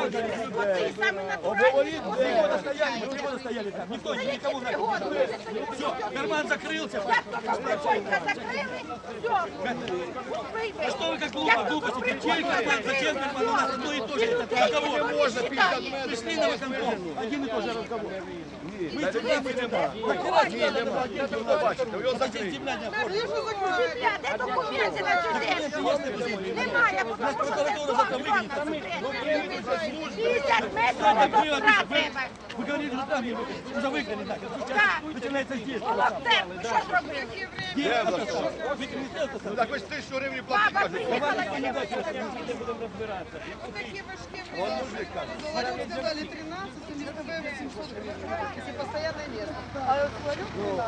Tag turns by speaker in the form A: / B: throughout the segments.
A: Обговорить, мы стояли там, никто никому не все, карман закрылся. А что вы как глупости, чей карман, зачем карман, у нас одно и то же, это разговор. Пришли на выконком, один и тот же разговор. Мы земля, мы земля.
B: Його закрили.
A: Земля не оформлена.
C: Земля, де документи на цю землю? Немає, бо тому що це дом 50 метрів до сра треба.
A: Вы говорили, что там уже выгнали, да, сейчас начинается здесь.
C: Волонтер, ви що зробили?
A: Где это что? Вы министерство сам.
B: Так ось 1000 гривень платить,
C: Баба
B: кажуть.
C: приїхала, я не
B: Вон мужик каже.
D: Говорят, сказали 13, и листовые 800 гривен, если постоянное место. А говорю,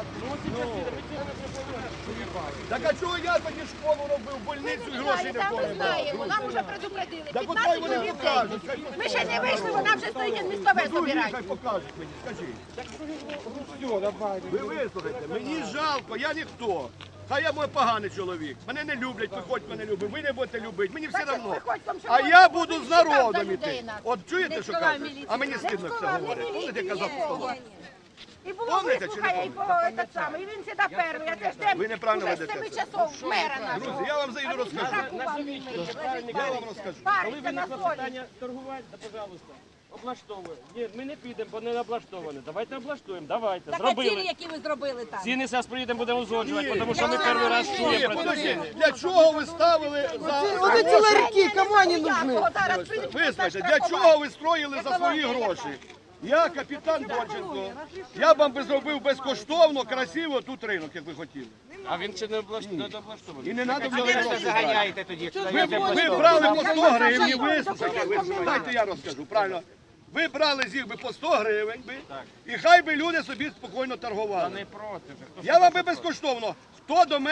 D: 13.
B: Так а чого я тоді школу робив, больницю і грошей не
C: Там ми
B: помню?
C: знаємо, нам вже предупредили.
B: Так от
C: 15
B: хай вони
C: чоловік.
B: покажуть.
C: Ми ще не вийшли, вона вже стоїть містове збирає.
B: Хай покажуть мені, скажіть. Ви вислухайте, мені жалко, я ніхто. Хай я мой поганий чоловік. Мене не люблять, виходь мене любить, ви не будете любити, мені все одно. А я буду з народом іти. От чуєте, що кажуть? А мені стидно все говорить. Помните, я казав по столу?
C: І було
B: Помните, чи не
C: вислухає, і по этот самий, і він сюди перший. Я теж
B: Ви неправильно
C: вже з
B: ведете
C: 7
B: це.
C: часов мера нашого.
B: Друзі, я вам зайду розкажу. Я вам розкажу.
C: Париться на солі.
E: Питання торгувати, да, пожалуйста, облаштовуємо. Ні, ми не підемо, бо не облаштоване. Давайте облаштуємо, давайте.
F: Так а ціни,
E: Зробили.
F: які ви зробили там?
E: Ціни зараз приїдемо, будемо узгоджувати, тому що ми перший раз
B: Ні,
E: чуємо про це.
B: подождіть, для чого ви ставили за...
D: Вот эти ларьки, кому они нужны?
B: Вислухайте, для чого ви строїли за свої гроші? Я капітан Донченко, я б вам би зробив безкоштовно, красиво тут ринок, як ви хотіли.
E: А він ще не облаштований.
B: І не треба мені гроші.
G: Заганяєте тоді.
B: Ви брали по 100 гривень, вислухайте, дайте я розкажу, правильно. Ви брали з їх би по 100 гривень, і хай би люди собі спокійно торгували.
E: Не проти.
B: Я вам би безкоштовно, хто до мене